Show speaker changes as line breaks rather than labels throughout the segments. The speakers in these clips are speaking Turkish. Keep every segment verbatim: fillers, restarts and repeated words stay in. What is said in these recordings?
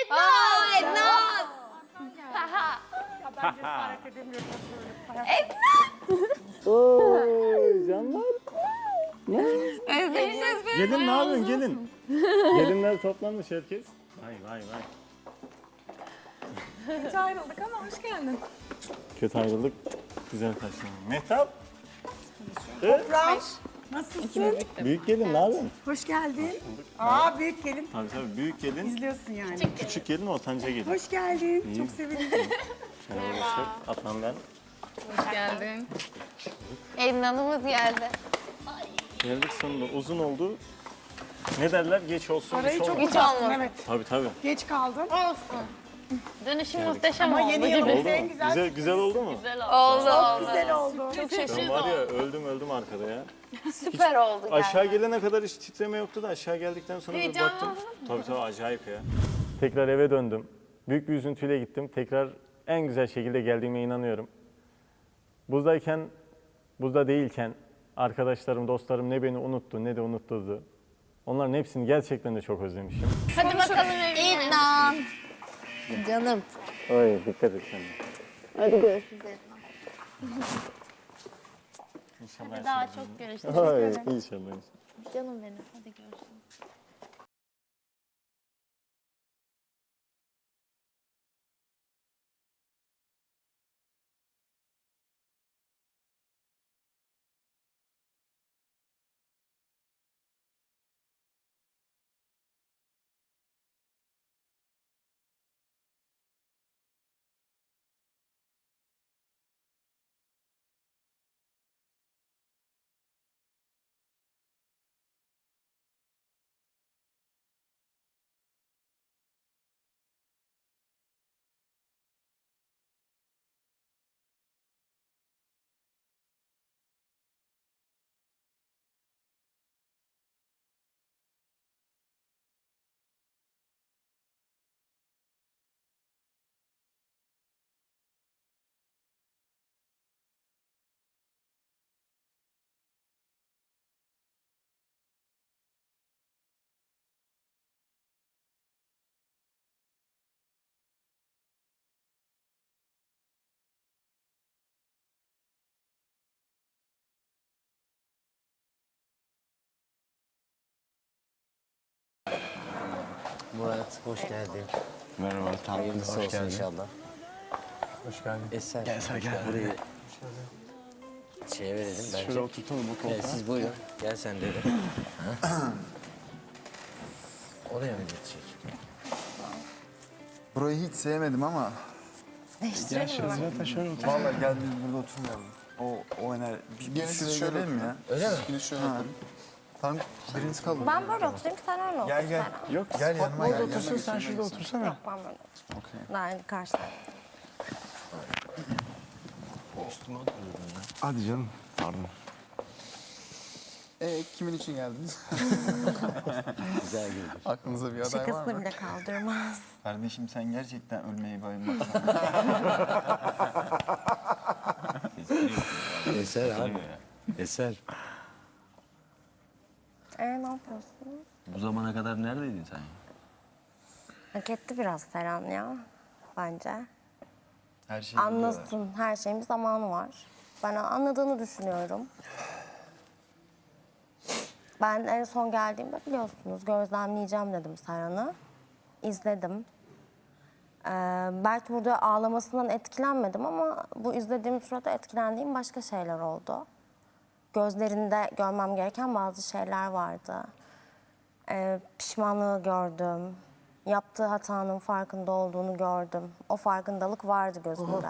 Ednan! Ednan!
Ben cesaret edemiyorum böyle.
Oy canlar.
Özlemişiz beni.
Gelin ne yapıyorsun gelin? Gelinler toplanmış herkes. Vay vay vay.
Kötü ayrıldık ama hoş geldin.
Kötü ayrıldık. Güzel karşılandık. Mehtap.
Nasılsın?
Büyük gelin ne yapıyorsun?
Hoş geldin. Aa büyük gelin.
Tabii tabii büyük gelin.
İzliyorsun yani.
Küçük gelin ortanca gelin.
Hoş geldin. Çok sevindim.
Merhaba. Adnan ben.
Hoş geldin. Ednan'ımız geldi.
Geldik sonunda uzun oldu. Ne derler geç olsun
Parayı
geç
çok
olmasın.
Hiç
uzattın
olmaz.
evet.
Tabii tabii.
Geç kaldın.
Olsun. Dönüşüm muhteşem
Ama
oldu
yeni
gibi.
yılımız
Oldu
en
mu?
güzel.
Güzel, güzel oldu mu?
Oldu oldu.
Güzel oldu.
Çok
Ben
şaşırdım.
var ya öldüm öldüm arkada ya.
Süper oldu
Aşağı
gerçekten.
gelene kadar hiç titreme yoktu da aşağı geldikten sonra bir
Heyecanlandın
baktım. Tabii tabii acayip ya. Tekrar eve döndüm. Büyük bir üzüntüyle gittim. Tekrar en güzel şekilde geldiğime inanıyorum. Buzdayken, buzda değilken arkadaşlarım, dostlarım ne beni unuttu ne de unutturdu. Onların hepsini gerçekten de çok özlemişim.
Hadi bakalım evine.
İdnan. Canım.
Ay dikkat et sen de.
Hadi görüşürüz.
İnşallah.
Daha çok görüşürüz.
Ay inşallah. inşallah.
Canım benim. Hadi görüşürüz.
Murat hoş geldin.
Merhaba, tamam.
Hayırlısı
Hoş
olsun
geldin.
inşallah.
Hoş geldin.
Eser,
Gel Eser, gel.
burayı şeye verelim bence.
Şöyle oturtalım bu koltuğa.
Evet, siz buyurun. Gel sen de. Oraya mı geçecek?
Burayı hiç sevmedim ama
Gel şöyle zaten şöyle otur.
vallahi gel biz burada oturmayalım. O o enerji. Bir, bir şuraya
şöyle
gelelim ya.
Öyle mi?
Biriniz şöyle
Ha.
oturun.
Tamam biriniz kalın.
Ben böyle oturayım, sen öyle otur.
Gel gel.
Yok,
Gel yanıma gel.
orada
yanıma
otursun,
geç,
sen
yanıma
şurada
geç.
otursana.
Ben böyle oturayım.
Okey.
Ben karşıda.
Hadi canım. Pardon.
Ee, kimin için geldiniz?
Güzel güldü.
Aklınıza bir aday var
Şakasını
mı?
bile kaldırmaz.
Kardeşim sen gerçekten ölmeyi bayılmak
Eser abi. Eser.
Ee ne yapıyorsun?
Bu zamana kadar neredeydin sen?
Hak etti biraz Seren ya. Bence.
Her şey biliyorlar.
Anlasın. Her şeyin bir zamanı var. Ben anladığını düşünüyorum. Ben en son geldiğimde biliyorsunuz gözlemleyeceğim dedim Seren'i. İzledim. Ee, belki burada ağlamasından etkilenmedim ama bu izlediğim sırada etkilendiğim başka şeyler oldu. Gözlerinde görmem gereken bazı şeyler vardı. Ee, pişmanlığı gördüm. Yaptığı hatanın farkında olduğunu gördüm. O farkındalık vardı gözünde.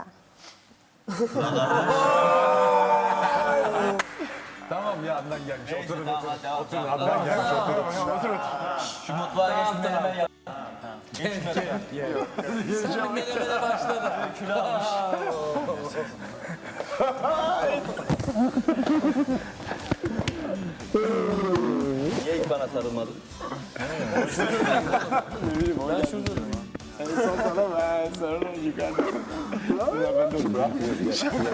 Tamam ya Adnan gelmiş. Oturun oturun.
Oturun
Adnan gelmiş oturun. Oturun.
Şu mutfağa geçmeden hemen yap.
Menemene başladı.
Niye ilk bana sarılmadın?
Ben şurada durayım. En son sana ben sonra yukarıda. Ya ben de bırakmıyorum.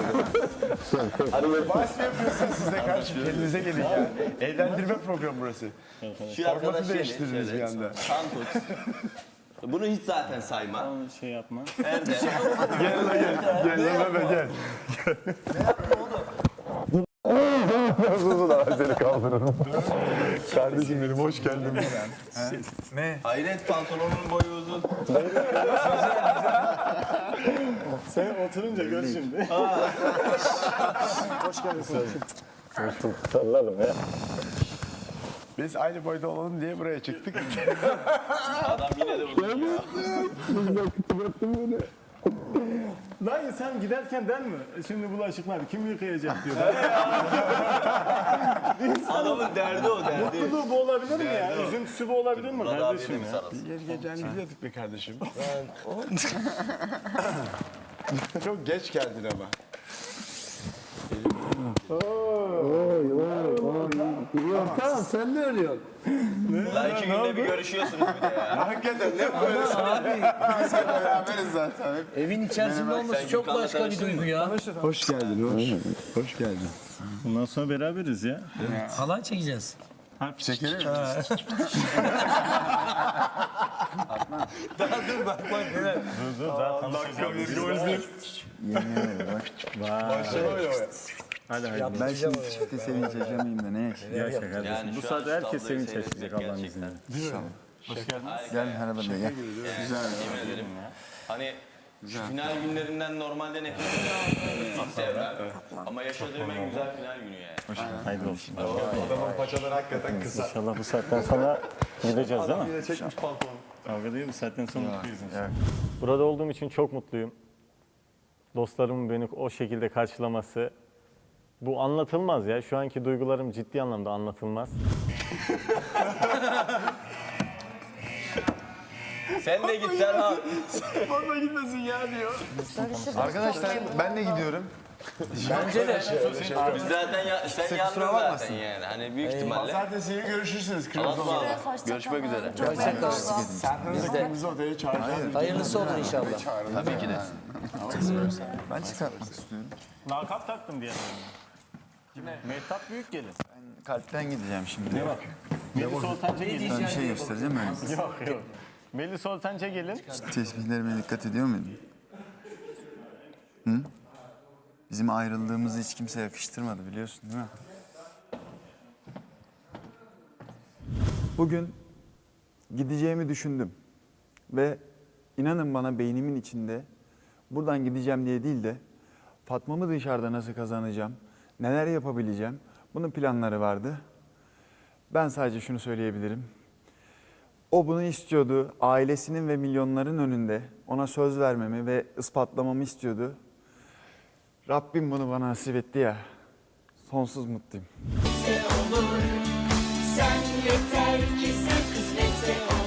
Hadi baş yapıyorsunuz siz de karşı. Kendinize gelin ya. Eğlendirme programı burası.
Şu
Formatı
arkadaş yeni,
değiştirdiniz
şöyle
bir anda.
Kan koç. Bunu hiç zaten sayma.
Onu şey yapma.
Erde.
Gel lan gel. Gel lan bebe gel. Nasıl lan seni kaldırırım. Kardeşim benim hoş geldin.
Ne?
Hayret pantolonun boyu uzun.
Sen oturunca gör şimdi.
Hoş geldin.
Hoş bulduk. Sallalım ya.
Biz aynı boyda olalım diye buraya çıktık.
Adam yine de uzun ya.
Lan sen giderken der mi? Şimdi bulaşıklar kim yıkayacak diyor.
Adamın derdi o derdi.
Mutluluğu bu olabilir mi ya? Üzüntüsü bu olabilir mi
Murat abiye de
kardeşim
bir
ya?
sarılsın.
Yer geceni biliyorduk be kardeşim. Çok geç geldin ama.
Tamam sen de arıyorsun.
Lan iki günde bir görüşüyorsunuz bir de ya.
Hakikaten ne böyle
Abi
Biz de beraberiz zaten. Hep.
evin içerisinde olması çok
Gülkan'la
başka bir
tanıştın
duygu
mı?
ya.
Hoş geldin, hoş. Hoş geldin.
Bundan sonra beraberiz ya.
Halay çekeceğiz.
Çekelim mi?
Daha dur bak bak neler.
Dur dur daha tanışacağız.
Başlama ya.
Hadi hadi.
Ben şimdi çifte sevinç yaşamayayım da ne yaşayayım?
Yaşa kardeşim.
Yani
Bu
şu
saatte
an
herkes
tabloyu
sevinç yaşayacak
seyretmek
Allah'ın
gerçekten.
izniyle.
Gel merhaba de gel.
Yemin ederim. Hani şu final günlerinden normalde nefret ediyorum. Hiç sevmem. Ama yaşadığım en güzel final günü yani.
Hayırlı olsun.
Adamın paçaları hakikaten kısa.
İnşallah bu saatten sonra gideceğiz değil mi?
Yine çekmiş pantolonu.
Kavga değil bu saatten sonra mutluyuz inşallah. Burada olduğum için çok mutluyum. Dostlarımın beni o şekilde karşılaması. Bu anlatılmaz ya. Şu anki duygularım ciddi anlamda anlatılmaz.
Sen de git Serhan.
Bana gitmesin ya diyor.
Arkadaşlar ben de gidiyorum.
Bence de.
Biz zaten ya, sen yandın
kusura
zaten
bakmasın.
yani. Hani büyük ihtimalle.
Pazartesi görüşürsünüz kırmızı
Anlatma
odada.
abi.
Görüşmek üzere.
Serkan'ı da kırmızı odaya çağıracağım.
Hayırlısı olur inşallah.
Tabii ki de.
Ben çıkartmak istiyorum.
Lakap taktım diye. Mehtap büyük gelin.
Kalpten gideceğim şimdi.
Ne bak? Melis Oltanca gelin.
Ben bir şey göstereceğim öyle.
Yok yok. Melis Oltanca gelin.
Tesbihlerime dikkat ediyor muydun? Hı? Bizim ayrıldığımızı hiç kimse yakıştırmadı biliyorsun değil mi?
Bugün gideceğimi düşündüm ve inanın bana beynimin içinde buradan gideceğim diye değil de Fatma'mı dışarıda nasıl kazanacağım, neler yapabileceğim bunun planları vardı. Ben sadece şunu söyleyebilirim. O bunu istiyordu, ailesinin ve milyonların önünde ona söz vermemi ve ispatlamamı istiyordu. Rabbim bunu bana nasip etti ya, sonsuz mutluyum.
Sen yeter ki sen kısmetse olur.